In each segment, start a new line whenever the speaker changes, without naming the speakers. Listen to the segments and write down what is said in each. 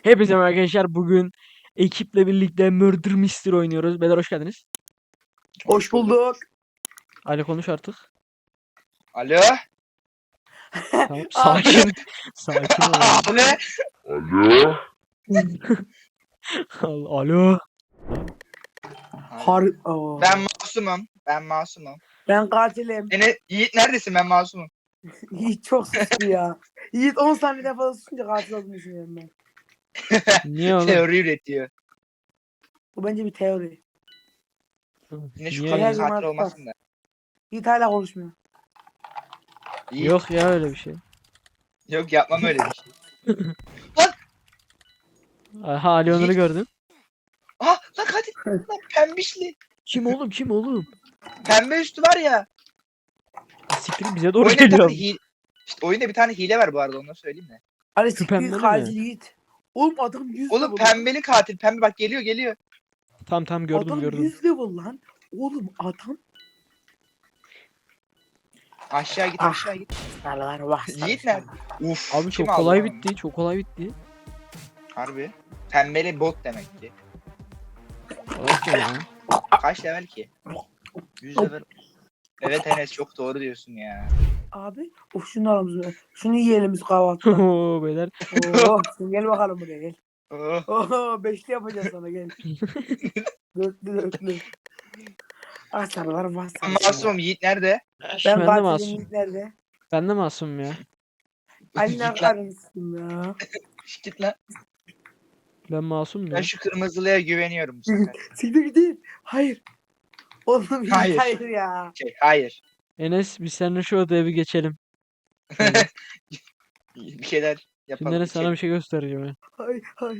Hepinize merhaba arkadaşlar. Bugün ekiple birlikte Murder Mystery oynuyoruz. Beyler hoş geldiniz.
Hoş bulduk.
Ali konuş artık.
Alo.
Tamam, sakin. Sakin ol.
Abi.
Alo.
Ben masumum. Ben masumum.
Ben katilim.
Yiğit neredesin? Ben masumum.
Yiğit çok suçlu ya. Yiğit 10 saniyeden fazla susunca katil olduğunu düşünüyorum ben.
Niye oğlum?
Teori üretiyor.
Bu bence bir teori.
Yine şu
Niye?
kadının
Her zaman
katil
tutar.
olmasın da.
Yiğit hala konuşmuyor.
Yiğit.
Yok ya öyle bir şey.
Yok yapmam öyle bir şey.
Aha Ali Onur'u
Yiğit.
gördüm.
Lan katil. Lan pembişli.
Kim oğlum kim oğlum?
Pembe üstü var ya.
Siktir bize doğru
Oyunda bir
geliyor.
tane hile. İşte oyunda bir tane hile var bu arada, onu söyleyeyim mi?
Ali
Şu
siktir
pembe
katil
mi?
Yiğit. Oğlum adam 100
Oğlum
level.
pembeli katil. Pembe bak geliyor.
Tam gördüm
Adam
gördüm.
100 level lan. Oğlum adam.
Aşağı git
Ah.
aşağı git.
Sarılar vah.
Yiğit nerede? Uf.
Abi
kim
çok
aldı
kolay
lan onu?
bitti. Çok kolay bitti.
Harbi. Pembeli bot demek ki.
Okey ya.
Kaç level ki? 100 level. Evet Enes, çok doğru diyorsun ya.
Abi. Of şunu alalım. Şunu yiyelim biz kahvaltıda.
Oo beyler.
Oo, sen gel bakalım buraya gel.
Oh.
Oo, beşli yapacağız sana gel. Dörtlü. Ah sarılar vah
Ben
sarılar.
masumum. Yiğit nerede?
Ben
Ben de
katilim
masum.
Yiğit nerede?
Ben de masum ya.
Ali'nin
Git lan.
arasın ya.
Git lan.
Ben masum
Ben
ya.
şu kırmızılıya güveniyorum bu sefer.
Siktir gidin. Hayır. Oğlum
Hayır.
hayır ya.
Hayır.
Enes biz seninle şu odaya bir geçelim.
Bir şeyler yapalım.
Şimdi Enes sana bir şey göstereceğim ya.
Hayır.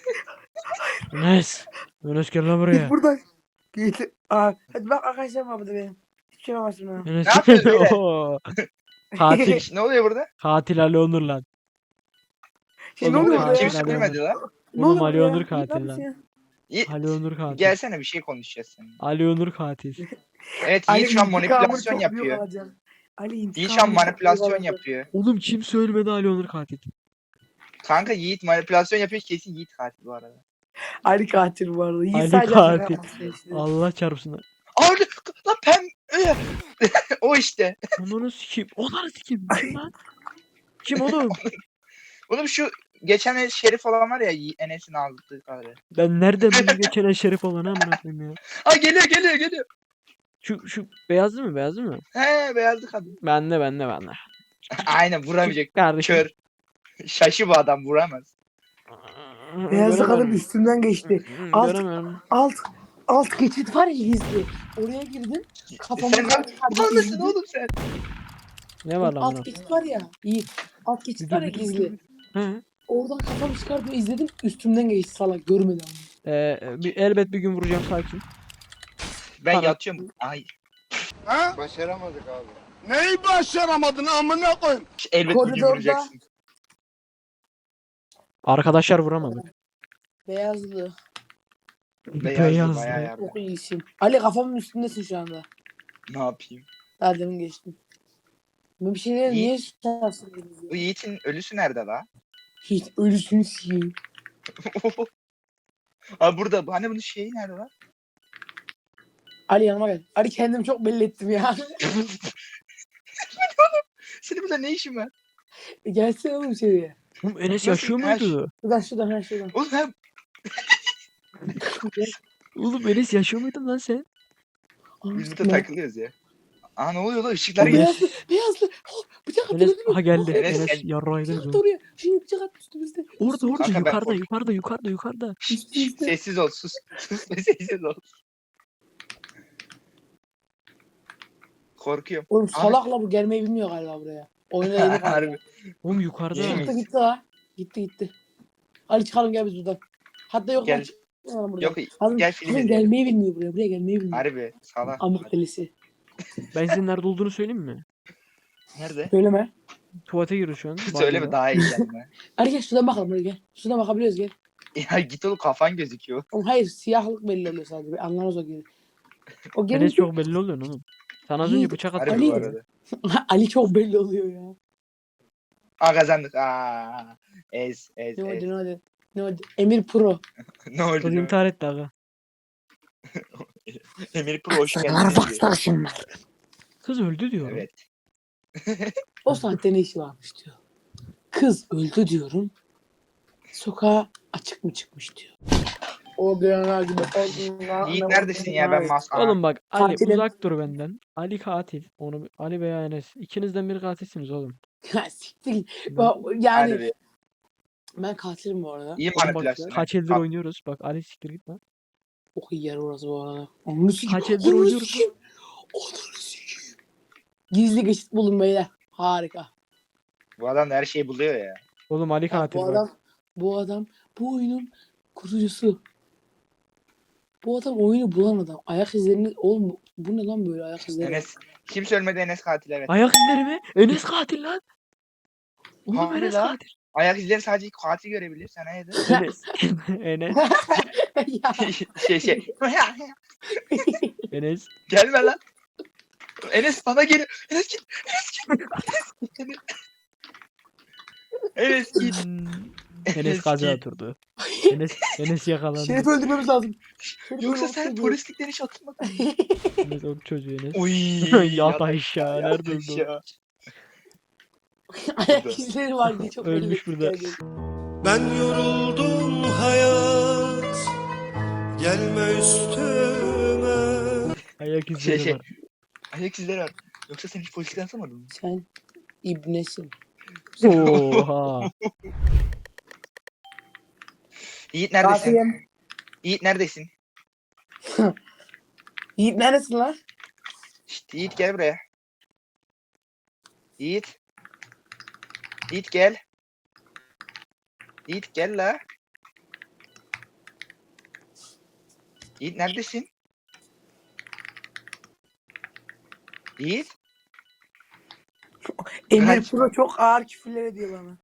Enes. Enes gel lan
Git
buraya.
buradan. Git. Aa, hadi bak arkadaşlarım var burada benim. Hiçbir şey yapamazsın ha.
Enes.
Ne yapıyorsun beyler?
Oo. Katil.
Ne oluyor burada?
Katil Ali Onur lan.
Şey ne
Oğlum,
oluyor
katil
burada ya?
kimse
Ali
ölmedi
Onur.
lan.
Ne
Oğlum
oluyor
Ali
burada
Onur
ya?
katil
Ne yapıyorsun
lan.
ya?
Yiğit.
Ali Onur katil.
Gelsene, bir şey konuşacağız seninle.
Ali Onur katil.
Evet,
Ali
Yiğit şu an
intikamını
manipülasyon
çok büyük
yapıyor.
alacağım. Ali
Yiğit şu an
intikamını çok büyük
manipülasyon
alacağım.
yapıyor.
Oğlum kim söylemedi Ali Onur katil?
Kanka Yiğit manipülasyon yapıyor, kesin Yiğit katil bu arada.
Ali katil bu arada. Yiğit
Ali
sadece şaka
katil.
yapmak istiyor işte.
Allah çarpsın.
Abi lan o işte.
Onları sikeyim. Onları sikeyim. Kim lan? Kim oğlum?
Oğlum şu geçen Şerif olan var ya, Enes'in aldığı kadar.
Ben nereden bileyim geçen şerif olanı amına koyayım ya.
Ha geliyor.
Şu beyaz değil mi? Beyaz değil mi?
He, beyazlı kadın.
Bende.
Aynen, vuramayacak.
Kardeşim.
Kör. Şaşı bu adam, vuramaz.
Beyazlı kadın
Göremiyorum.
üstümden geçti. Alt,
Göremiyorum.
alt geçit var ya gizli. Oraya girdim. Kafamı
Sen mal mısın oğlum sen?
Ne var lan
Alt
buna?
geçit var ya. İyi. Alt geçit var ya gizli.
He.
Oradan kafamı çıkardım izledim. Üstümden geçti salak. Görmedi ama.
Elbet bir gün vuracağım sakin.
Ben
Bana-
yatıyorum. Ay.
Ha? Başaramadık abi. Neyi başaramadın amına koyayım?
Elbet bir gün
Koridorda-
vuracaksın.
Arkadaşlar vuramadık.
Beyazlı.
Beyazlı bayağı yardım.
Çok iyisin. Ali kafamın üstündesin şu anda.
Ne yapayım?
Daha demin geçtim. Bu bir şeyler
İyi.
niye şansın?
Bu Yiğit'in ölüsü nerede la?
Hiç ölüsünü sikeyim.
Abi burada. Hani bunun şeyi nerede lan?
Ali yanıma gel. Ali kendimi çok belli ettim ya.
Senin burada ne işin var?
Gelsene oğlum içeriye.
Oğlum Enes
Nasıl?
yaşıyor
Her
muydu?
Şuradan.
Oğlum ben
Oğlum Enes yaşıyor muydun lan sen?
biz burada takılıyoruz ya. Aa, ne oluyor lan? Işıklar
O
geliyor.
beyazlı. Oh, bıçak attı
Enes
gördün mü?
aha geldi.
Oh,
Enes
Enes
geldi.
yarrağıydı.
bıçak attı oraya. Şimdi bıçak attı üstümüzde.
Orada
Kanka ben
yukarıda.
Üstümüzde.
Sessiz ol, sus. Sus ve sessiz ol. Korkuyorum.
Oğlum salakla bu gelmeyi bilmiyor galiba buraya. Oyuna yeni kaldı.
Harbi.
Oğlum yukarıda.
Yemin-
Gitti ha. Gitti. Ali çıkalım gel biz buradan. Hatta yok
Gel.
lan çıkalım buradan.
Yok,
Hazır,
gel film
hazır
izleyelim.
gelmeyi bilmiyor buraya gelmeyi bilmiyor.
Harbi. Salak.
Amık delisi.
Ben senin nerede olduğunu söyleyeyim mi?
Nerede?
Söyleme.
Tuvalete giriyor şu an.
Söyleme, daha iyi gelme.
Ali gel şuradan bakalım buraya gel. Şuradan bakabiliyoruz gel.
Ya git oğlum, kafan gözüküyor.
Oğlum hayır siyahlık belli oluyor sadece. Anlamaz o geri. O
Enes
gelince
çok belli oluyor oğlum. Sana az önce
Yiğit,
bıçak
Harbi
attı.
bu
Ali.
arada.
Ali çok belli oluyor ya.
Aa, kazandık. Ez.
Ne oldu. Ne oldu? Emir Pro.
Ne oldu?
Kız
lan?
intihar etti aga.
Emir Pro hoş geldin.
Sarılar bak
diyor.
sarışınlar.
Kız öldü diyorum.
Evet.
O saatte ne işi varmış diyor. Kız öldü diyorum. Sokağa açık mı çıkmış diyor. O dönemler gibi.
Yiğit neredesin ya ben maskara.
Oğlum bak Ali
Katilim.
uzak dur benden. Ali katil. Onu Ali veya Enes. İkinizden biri katilsiniz oğlum.
Ya siktir git.
Ben-
Yani
Hadi bir.
ben katilim bu arada.
İyi
Oğlum bak
manipülasyon.
kaç eldir
Bak,
oynuyoruz. Bak Ali siktir git lan.
Çok iyi yer orası bu arada. Onu sikeyim.
Kaç eldir
Onu
oynuyoruz.
sikeyim. Onu sikeyim. Gizli geçit bulun beyler. Harika.
Bu adam da her şeyi buluyor ya.
Oğlum Ali
Ya
katil
bu
bak.
adam bu oyunun kurucusu. Bu adam oyunu bulan adam. Ayak izlerini oğlum bu ne lan böyle ayak izleri?
Enes. Kimse ölmedi Enes katil evet.
Ayak izleri mi? Enes katil lan. Oğlum
Harbi
Enes
lan.
katil.
Ayak izleri sadece katil görebilir. Sen hayırdır?
Enes. Enes.
Ya.
şey.
Enes.
Gelme lan. Enes bana gel. Enes git. Enes git.
Enes kaza
git.
oturdu. Enes yakalandı.
Şerif öldürmemiz lazım. Şerif
Yoksa
öldürmemiz
sen
lazım.
polislikten hiç atılmadın.
Enes o çocuğu Enes.
Uy.
Yat aşağı. Nerede öldü o?
aşağı.
Ayak izleri var diye çok
Ölmüş
belli.
burada.
Ben yoruldum hayat, gelme üstüme.
Ayak izleri
Şey.
var.
Ayak izleri var. Yoksa sen hiç polislikten atılmadın mı?
Sen ibnesin.
Oha.
Yiğit neredesin?
Katilim.
Yiğit neredesin?
Yiğit neresin lan?
Şşt, Yiğit gel buraya. Yiğit. Yiğit gel. Yiğit gel la. Yiğit neredesin? Yiğit.
Emir
Kaç-
Pro çok ağır küfürler ediyor bana.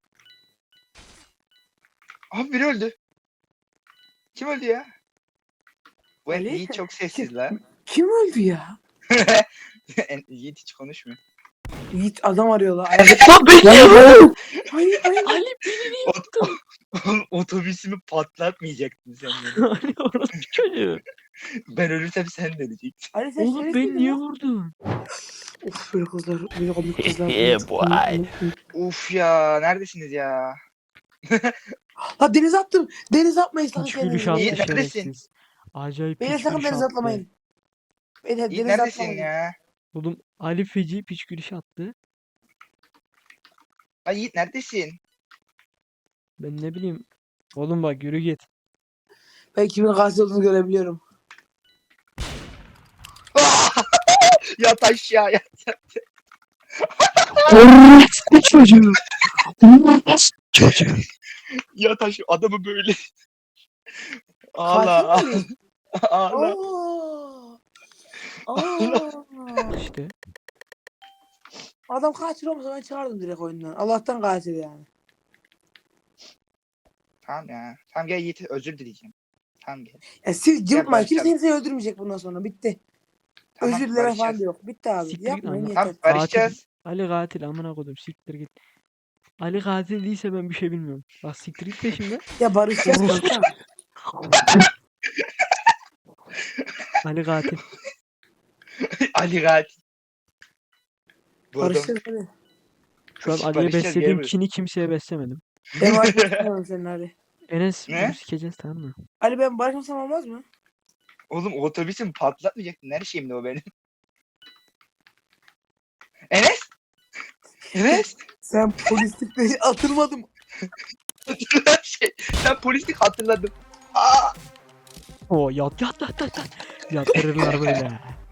Abi biri öldü. Kim öldü ya? Bu
Ali?
Yiğit çok sessiz la.
Kim öldü ya?
Yiğit hiç konuşmuyor.
Yiğit adam arıyor la. Hayır hayır.
Ali beni
Oğlum, otobüsümü patlatmayacaktın sen beni.
Ali orası çocuğu.
Ben ölürsem sen de öleceksin.
Ali sen
Oğlum
şerif
beni
miydin
niye
lan?
vurdun?
Of böyle kızlar. Böyle komik kızlar.
Yeah, boy.
Uf ya neredesiniz ya?
Ha denize attım. Denize atmayın sakın
Piç gülüş attı
İyi,
kendinizi.
neredesin?
şerefsiz. Acayip
Beyler
piç
sakın
gülüş
denize
attı.
atlamayın. Beyler
Yiğit
denize
neredesin
atlamayın.
ya?
Oğlum Ali feci piç gülüş attı.
Ay Yiğit neredesin?
Ben ne bileyim. Oğlum bak yürü git.
Ben kimin katil olduğunu görebiliyorum.
Yat aşağı yat.
Orospu çocuğu. Çocuğu.
Yat aşağı. Adamı böyle. Ağla.
Katil mi?
Ağla.
Aa.
İşte.
Adam katil olmasa ben çıkardım direkt oyundan. Allah'tan katil yani.
Tamam ya. Tamam gel Yiğit özür dileyeceğim. Tamam gel.
Ya siz cıvıtmayın.
barışalım.
Kimse kimseyi öldürmeyecek bundan sonra. Bitti.
Tamam,
Özür dileme falan
barışacağız.
da yok. Bitti abi.
Siktir git
Yapmayın
ama.
yeter.
Tamam barışacağız.
Ali katil amına koydum siktir git. Ali katil değilse ben bir şey bilmiyorum. Bak siktir git peşimden.
Ya barışacağız kanka.
Ali katil.
Ali katil. Bu adam.
Barışacağız hadi.
Şu an Ali'ye
Barışacağız,
beslediğim
gel buraya.
kini kimseye beslemedim.
Ben barışmasam senin Ali.
Enes
Ne?
bunu sikeceğiz tamam mı?
Ali ben barışmasam olmaz mı?
Oğlum otobüsümü patlatmayacaktın. Her şeyimdi o benim. Enes? Enes?
Sen polislikte atılmadım.
Ben polislik hatırladım. Aa!
Oo yat yat yat yat yat. Yatırırlar böyle.